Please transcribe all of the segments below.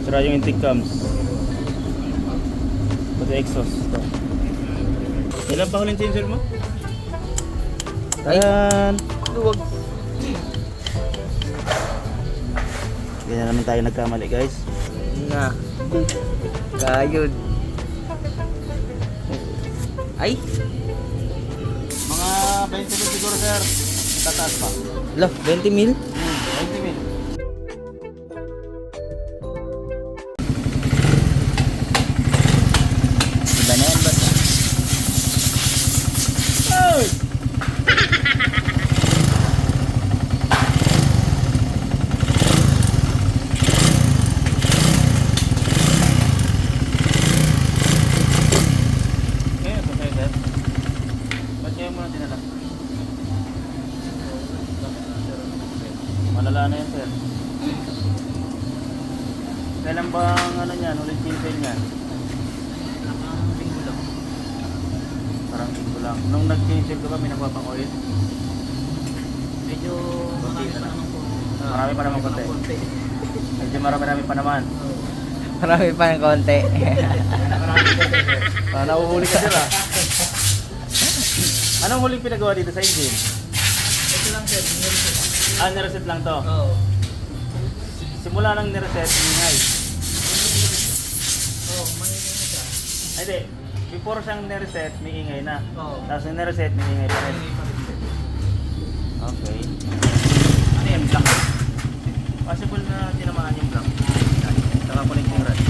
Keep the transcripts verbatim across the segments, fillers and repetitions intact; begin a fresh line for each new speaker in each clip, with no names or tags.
Sira yung intake cams. Pati exhaust. Ito. Ilan pa huling changer mo? Ayan.
Luwag.
Ganyan naman tayo nagkamali, guys.
Na. Gayod. Ay.
Mga twenty mil siguro, sir. Tataas pa.
Lo, twenty mil?
Hmm, twenty mil.
Iba na yan, boss.
Oy! Ngayon, ito sa'yo, sir. Ba't kayo muna dinala? Malala na yan, sir. Kailan bang ano niyan, ulit pinsel niyan?
Linggo lang.
Parang linggo lang. Nung nag-pinsel ka ba, may nagpapang-oil?
Medyo marami pa naman po.
Marami pa naman konti. Medyo marami-rami pa naman.
Marami pa ng konti.
Ah, nauhuli ka sila. Anong huling pinagawa dito sa engine?
Ito lang, sir.
Ah, nireset lang to.
Oo.
Simula nang nireset, ingay.
Oo, mangingi na siya.
Ay, di. Before siyang nireset, may ingay na.
Oo.
Tapos nung nireset, may ingay pa rin.
Mangingi pa rin, sir.
Okay. Ano yan? Black? Possible na tinamaan yung black. Saka connecting rod.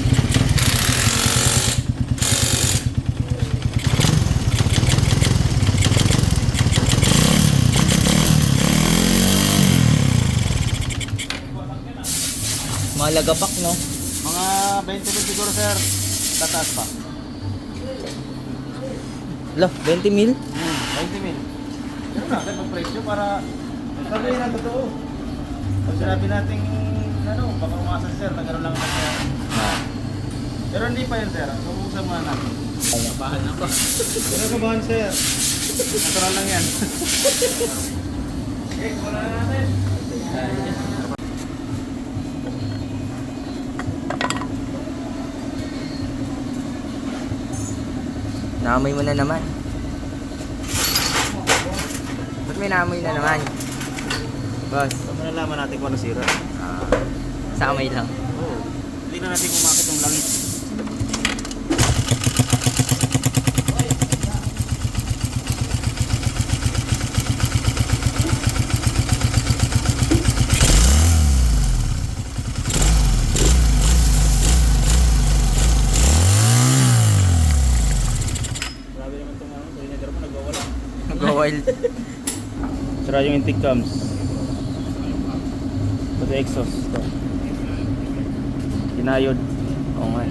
Malagapak, no?
Mga twenty mil siguro, sir. Tataas pa.
Lo, twenty mil?
Hmm, twenty mil. Pero na, sir, mag-presyo para sabihin na totoo. Pag sinabi natin, ano, baka umasa, sir, nagkaroon lang naman siya.
Ah.
Pero hindi pa yun, sir. Subukan muna natin.
Kabahan ako.
Pero kabahan, sir. Natural lang yan. Okay, wala na natin.
Naamoy mo na naman. Ba't may naamoy na naman? Boss,
So, malalaman natin kung ano sira.
ah, sa amoy lang.
Oo. Hindi na natin kumakit yung langit. Grabe naman itong ano, cylinder mo nagwawala.
Nag-wild.
Sira yung intake cams. Pati exhaust. Ito. Kinayod. Oo nga.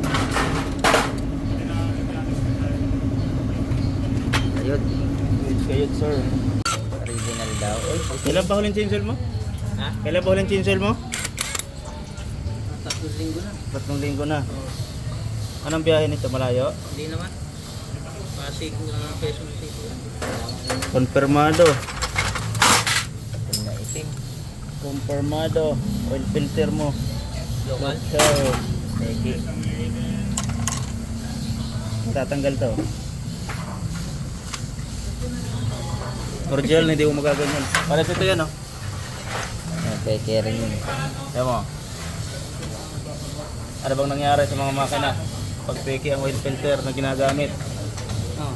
Ayun.
Kayod, kayod, sir.
Original daw. Uy,
Kailan pa huling chainsaw mo?
ha?
Kailan pa huling chainsaw mo?
Tatlong linggo na.
Tatlong linggo na.
Oo.
Anong biyahe nito? Malayo?
Hindi naman. Pasig na peso na siko.
Konfirmado.
Itim na itim.
Konfirmado. Oil filter mo.
Local.
So,
Peki.
tatanggal to. Original, hindi mo magaganyan. Para ito yan, oh.
Peki rin yun.
Ayan mo. Ano bang nangyari sa mga makina pag peke ang oil filter na ginagamit?
Oo.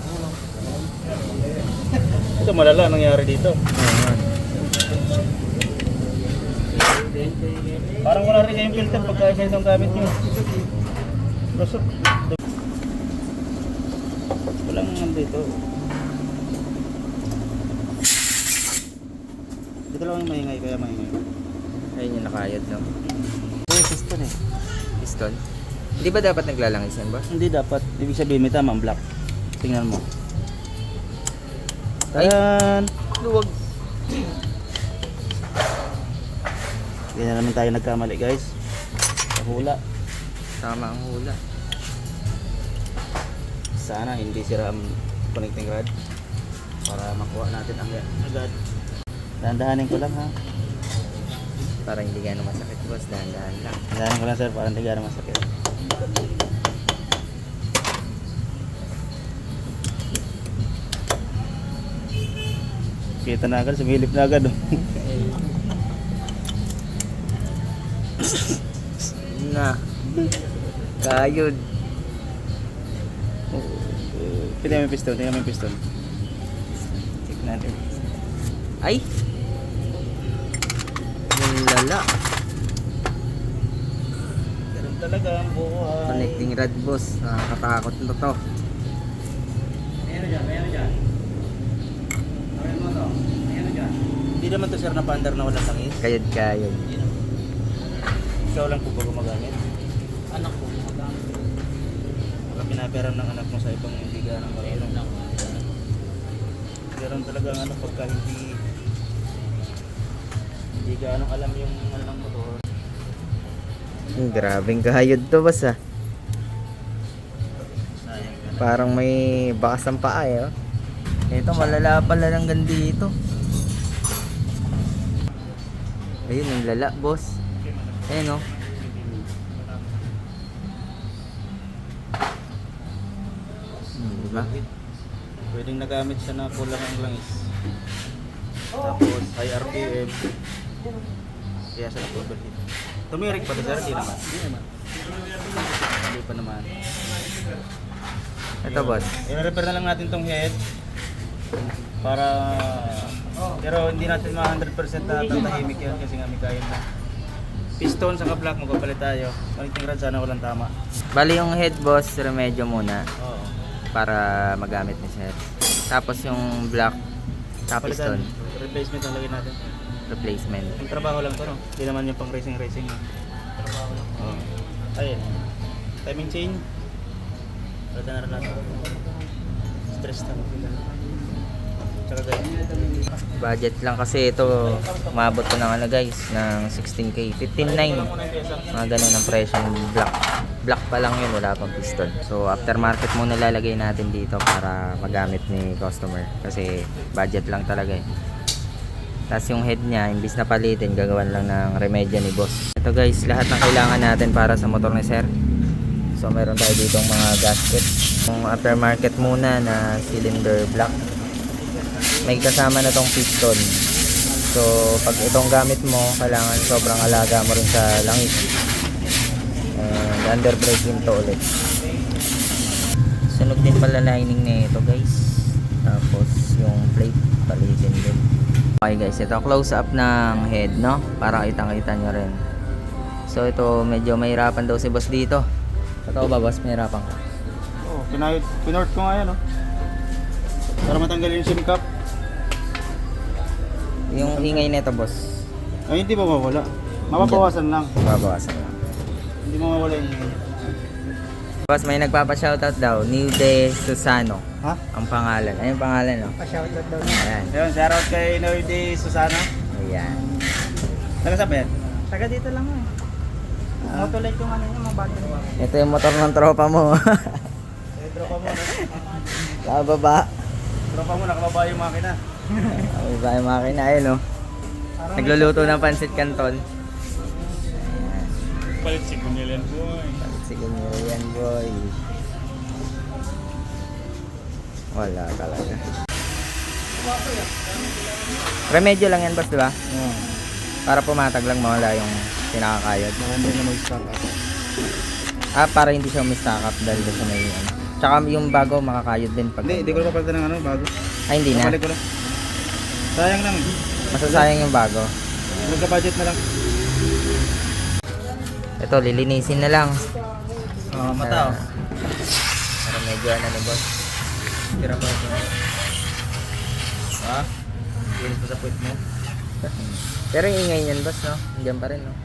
Ito malala nangyari dito. Parang wala rin kayong filter pagka isa itong gamit nyo. Lusot. Walang nandito. Dito lang yung maingay, kaya maingay.
Ayun yung nakayod, no?
Uy, piston eh.
Piston. Hindi ba dapat naglalangis yan, boss?
Hindi dapat. Ibig sabihin may tama ang black. Tingnan mo.
Ay.
Ayan.
Luwag.
Ganyan naman tayo nagkamali, guys. Sa hula.
Tama ang hula.
Sana hindi sira ang connecting rod para makuha natin ang agad. Dahan-dahanin ko lang, ha.
Para hindi gano'ng masakit boss, dahan-dahan lang.
Dahan ko lang sir, para hindi gano'ng masakit. Kita na agad, sumilip na agad. Oh.
Na. Kayod.
Tingnan mo yung piston, tingnan mo yung piston. Check natin.
Ay! Yung lala.
Ganun talaga ang buhay.
Connecting rod boss. Nakakatakot na to.
Mayroon dyan, mayroon dyan. Mayroon mo to, mayroon dyan. Hindi naman to sir na pandar na walang langis.
Kayod kayod.
Ikaw lang po ba gumagamit? Anak ko gumagamit. Baka pinaperam ng anak mo sa ibang hindi ganang marunong. Ganun talaga ang ano pagka hindi hindi ganang alam yung ano ng motor.
Hmm, grabeng kayod to boss ah.
Sayang ka na.
Parang may bakas ng paa eh. Oh. Ito malala pala lang dito. Ayun yung lala boss. Ayun oh. Hmm, diba?
Pwedeng nagamit siya na kulang ang langis. Tapos high R P M. Kaya siya nag-overheat. Tumirik pa to sir? Hindi naman. Hindi naman. Hindi pa naman.
Ito boss.
I-repair na lang natin tong head. Para... Pero hindi natin ma one hundred percent na tatahimik yan kasi nga may kaya na. Piston sa block magpapalit tayo. Connecting rod sana walang tama.
Bali yung head boss, remedyo muna
Oo.
para magamit ni sir. Tapos yung block top piston
Palitan. Replacement ang lagay natin.
replacement.
Yung trabaho lang to no? Hindi naman yung pang racing racing. Trabaho lang. Oo. Ayun. Timing chain. Palitan na rin natin. Stress na. Tsaka guys.
Budget lang kasi ito, umabot ko ng ano guys, ng sixteen K, fifteen nine. Mga ganun ang presyo ng block. Block pa lang yun, wala pang piston. So aftermarket muna lalagay natin dito para magamit ni customer kasi budget lang talaga eh. Tapos yung head niya, imbis na palitin, gagawan lang ng remedyo ni boss. Ito guys, lahat ng kailangan natin para sa motor ni sir. So meron tayo dito mga gasket. Yung aftermarket muna na cylinder block. May kasama na tong piston. So pag itong gamit mo, kailangan sobrang alaga mo rin sa langis. And under braking to ulit. Sunog din pala lining na ito guys. Tapos yung plate, palitin din. Okay guys, ito close up ng head no, para kitang-kita nyo rin. So ito medyo mahirapan daw si boss dito. Totoo ba boss, mahirapan ka?
Oo, oh, pinayot, pinort ko nga yan no. Para matanggalin yung SIM cap.
Yung ingay nito boss,
Ay, hindi mawawala. Mapapawasan lang.
babawasan lang.
Hindi mawawala yung ingay.
Boss, may nagpapa-shoutout daw, New De Susano.
Ha?
Ang pangalan. Ayun yung pangalan no?
Pa-shoutout daw.
Ayan.
Ayun, shoutout kay Noyde Susana.
Ayan.
Taga saan ba yan?
Taga dito lang eh. Motolite yung ano niya, mga battery.
Ito yung motor ng tropa mo.
Eh, tropa mo, no?
Kababa.
Tropa mo, nakababa yung makina.
Ay, ba yung makina ayun no? Nagluluto ng pansit canton. Ayan.
Palit si Kunilian boy.
Sige nyo yan boy. Wala talaga. Remedyo lang yan boss, di ba?
Oo.
Para pumatag lang mawala yung pinakakayod.
Baka hindi na mag-stock up.
Ah, para hindi siya umistock up dahil doon sa may ano. Tsaka yung bago makakayod din pag...
Hindi, hindi ko na papalitan ng ano, bago.
Ay, hindi na.
Papalik ko lang. Sayang lang.
Masasayang yung bago.
Magka-budget na lang.
Ito, lilinisin na lang.
Oo, mata oh.
Para medyo ano ni boss.
Tira pa ito. Ha? Kinis mo sa puwit mo.
Pero yung ingay niyan boss, no? Diyan pa rin, no?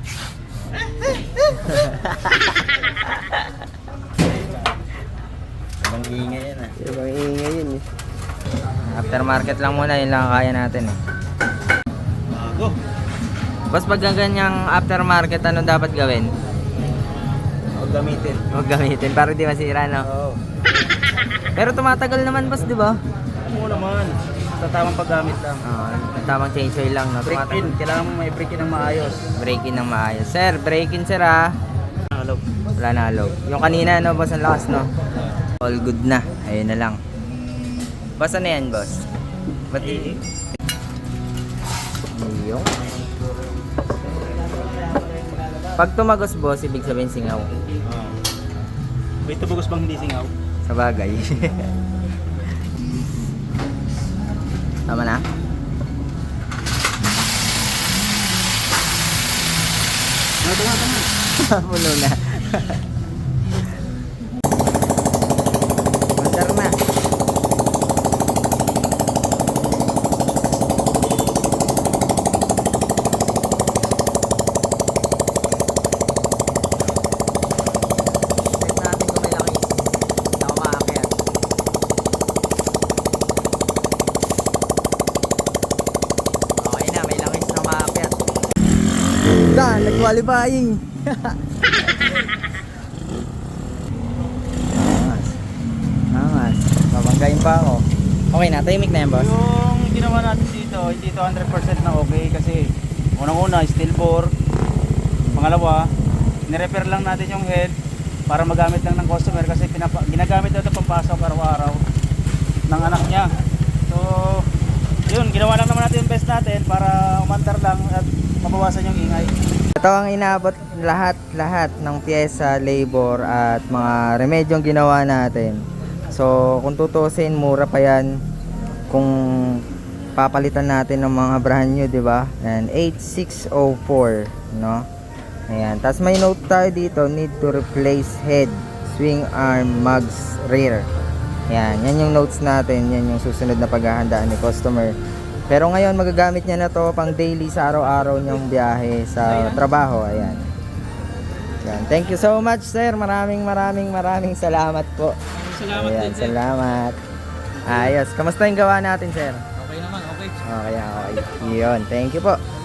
Ibang ingay yan ah.
Ibang ingay yun eh. Aftermarket lang muna, yun lang ang kaya natin eh.
Bago.
Boss, pag ganyang aftermarket, ano dapat gawin?
Huwag gamitin.
Huwag gamitin para di masira, no?
Oo.
Pero tumatagal naman boss, di ba?
Ano mo naman? Sa tamang paggamit lang.
Ah, tamang change oil lang, no?
Break in, kailangan mo may break in ng maayos.
Break in ng maayos. Sir, break in sir ah.
Hello.
Wala na low. Yung kanina, no, boss, ang lakas, no? All good na. Ayun na lang. Boss, ano yan, boss? Ba't i... Yung... Pag tumagos, boss, ibig sabihin singaw.
Oh. May tubugos bang hindi singaw?
Sa bagay. Tama na?
Tama, tama, tama.
Puno na. Masar na. Check natin kung may langis. Hindi ako maakyat. Okay na, may langis na maakyat. Dan, nag-qualifying. Angas. Angas. Babanggain pa ako. Okay na, tahimik na yan, boss.
Yung ginawa natin dito, hindi ito one hundred percent na okay kasi unang-una, steel bore. Pangalawa, nirepair lang natin yung head para magamit lang ng customer kasi pinapa ginagamit na ito pampasok araw-araw ng anak niya. So, yun, ginawa lang naman natin yung best natin para umandar lang at mabawasan yung ingay.
Ito ang inaabot lahat-lahat ng pyesa, labor at mga remedyong ginawa natin. So kung tutusin, mura pa yan kung papalitan natin ng mga brand new, di ba? And eight six oh four, no? Ayan. Tapos may note tayo dito, need to replace head, swing arm, mugs, rear. Yan, yan yung notes natin, yan yung susunod na paghahandaan ni customer. Pero ngayon magagamit niya na to pang daily sa araw-araw niyang biyahe sa trabaho. Ayan. Yan. Thank you so much, sir. Maraming maraming maraming salamat po.
Salamat
Ayan, salamat. Ayos. Kamusta yung gawa natin, sir?
Okay naman, okay.
Okay, okay. Yun. Thank you po.